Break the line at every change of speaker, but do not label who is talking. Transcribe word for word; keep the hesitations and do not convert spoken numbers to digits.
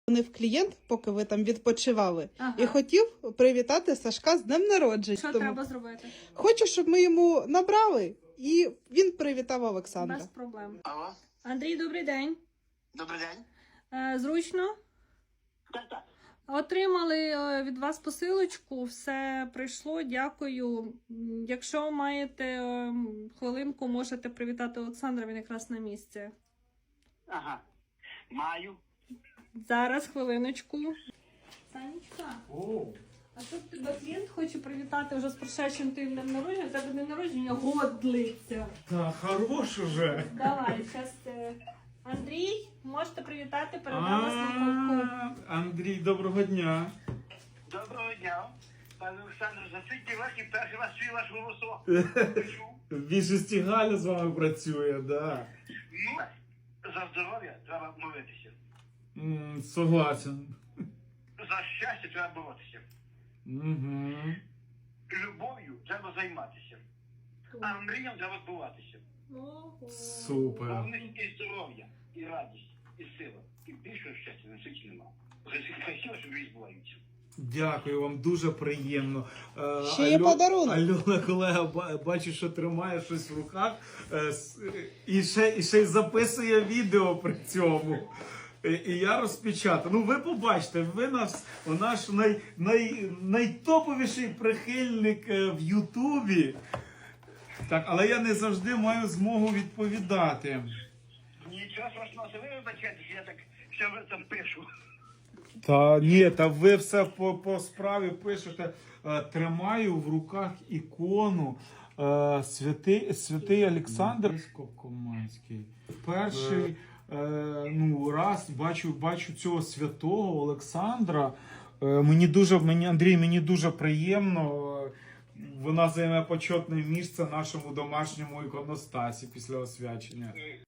Дзвонив клієнт, поки ви там відпочивали,
Ага.
і хотів привітати Сашка з днем народження.
Що
Тому
треба зробити?
хочу, щоб ми йому набрали, і він привітав Олександра.
Без проблем.
Алло,
Андрій, добрий день.
добрий день.
Е, зручно?
Так, так.
Отримали е, від вас посилочку, все прийшло, дякую. М, Якщо маєте е, хвилинку, можете привітати Олександра, він якраз на місці.
Ага. Маю.
Зараз, хвилиночку. Санечка, а тут тебе клієнт хоче привітати вже з прошедшим тим днем народження, у тебе день народження год длиться.
Та хорош уже.
Давай, зараз Андрій, можете привітати, передам вас на
А, Андрій, доброго дня.
Доброго дня. Пане Олександр, за скільки років перший раз чую ваш голосок.
В більшості Галя з вами працює, да.
Ну, за здоров'я треба молитися.
М, Согласен.
За щастя треба боротися.
Угу.
Любов'ю треба займатися. А мріям треба збуватися.
Супер.
Головне і здоров'я, і радість, і сила. І більшого щастя на світі нема. Хай сила, що військ збуваються.
Дякую вам, дуже приємно. Е,
Ще є подарунок.
Альона, колега, ба- бачу, що тримає щось в руках е, с- і ще, і ще й записує відео при цьому. І, і я розпечатаю. Ну, ви побачите, ви нас, наш най, най, найтоповіший прихильник е, в Ютубі. Так, але я не завжди маю змогу відповідати.
Нічого страшного, ви вибачайте, що я так все там пишу.
Та ні, та ви все по, по справі пишете. Е, Тримаю в руках ікону е, святий, святий Олександр Скопкоманський. Перший е, ну, раз бачу, бачу цього святого Олександра. Е, мені дуже, мені, Андрій, мені дуже приємно. Е, Вона займе почетне місце в нашому домашньому іконостасі після освячення.